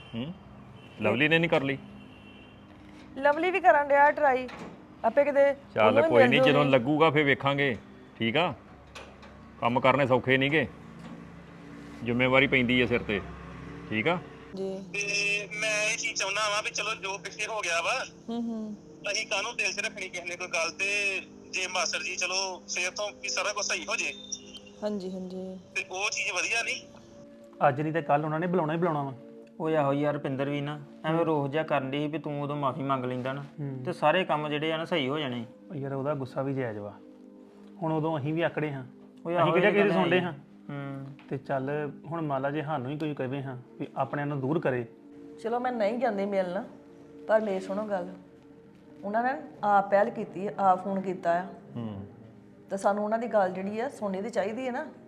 Lovely ਨੇ ਨਹੀਂ ਕਰ ਲਈ? ਲਵਲੀ ਵੀ ਕਰਨ ਡਿਆ ਟਰਾਈ ਆਪੇ ਕਿਤੇ ਚੱਲ ਕੋਈ ਨਹੀਂ, ਜਦੋਂ ਲੱਗੂਗਾ ਫੇਰ ਵੇਖਾਂਗੇ। ਠੀਕ ਆ, ਕੰਮ ਕਰਨੇ ਸੌਖੇ ਨਹੀਂਗੇ, ਜ਼ਿੰਮੇਵਾਰੀ ਪੈਂਦੀ ਹੈ ਸਿਰ ਤੇ। ਠੀਕ ਆ ਜੀ। ਤੇ ਮੈਂ ਇਹ ਚੀਜ਼ ਚਾਹੁੰਦਾ ਵਾਂ ਵੀ ਚਲੋ ਜੋ ਪਿੱਛੇ ਹੋ ਗਿਆ ਵਾ ਅਸੀਂ ਕਾਹਨੂੰ ਦਿਲ 'ਚ ਰੱਖਣੀ ਕਿਸੇ ਨੇ ਕੋਈ ਗੱਲ। ਤੇ ਜੇ ਮਾਸਟਰ ਜੀ ਚਲੋ ਫੇਰ ਤੋਂ ਵੀ ਸਾਰਾ ਕੁਝ ਸਹੀ ਹੋ ਜੇ ਹਾਂਜੀ ਹਾਂਜੀ ਤੇ ਉਹ ਚੀਜ਼ ਵਧੀਆ ਨਹੀਂ। ਅੱਜ ਨਹੀਂ ਤੇ ਕੱਲ ਉਹਨਾਂ ਨੇ ਬੁਲਾਉਣਾ ਹੀ ਬੁਲਾਉਣਾ ਵਾ। ਉਹ ਆਹੋ ਯਾਰ ਰੁਪਿੰਦਰ ਵੀ ਨਾ ਐਵੇਂ ਰੋਹ ਜਿਹਾ ਕਰਨ ਡਈ ਸੀ ਵੀ ਤੂੰ ਉਦੋਂ ਮਾਫੀ ਮੰਗ ਲੈਂਦਾ ਨਾ ਤੇ ਸਾਰੇ ਕੰਮ ਜਿਹੜੇ ਆ ਨਾ ਸਹੀ ਹੋ ਜਾਣੇ। ਉਹ ਯਾਰ ਉਹਦਾ ਗੁੱਸਾ ਵੀ ਜਾਇਜ਼ ਵਾ, ਹੁਣ ਉਦੋਂ ਅਸੀਂ ਵੀ ਆਕੜੇ ਹਾਂ, ਉਹ ਅਸੀਂ ਕਿਹੜਾ ਕਿਸੇ ਸੁਣਦੇ ਹਾਂ। ਹੂੰ ਤੇ ਚੱਲ ਹੁਣ ਮੰਨ ਲਾ ਜੇ ਸਾਨੂੰ ਹੀ ਕੋਈ ਕਹੇ ਹਾਂ ਵੀ ਆਪਣਿਆਂ ਨੂੰ ਦੂਰ ਕਰੇ। ਚਲੋ ਮੈਂ ਨਹੀਂ ਜਾਂਦੀ ਮਿਲਣ, ਪਰ ਮੇਰੀ ਸੁਣੋ ਗੱਲ, ਉਹਨਾਂ ਨੇ ਆਪ ਪਹਿਲ ਕੀਤੀ, ਆਪ ਫੋਨ ਕੀਤਾ ਆ। ਤੇ ਸਾਨੂੰ ਉਹਨਾਂ ਦੀ ਗੱਲ ਜਿਹੜੀ ਆ ਸੁਣਨੀ ਤੇ ਚਾਹੀਦੀ ਹੈ ਨਾ।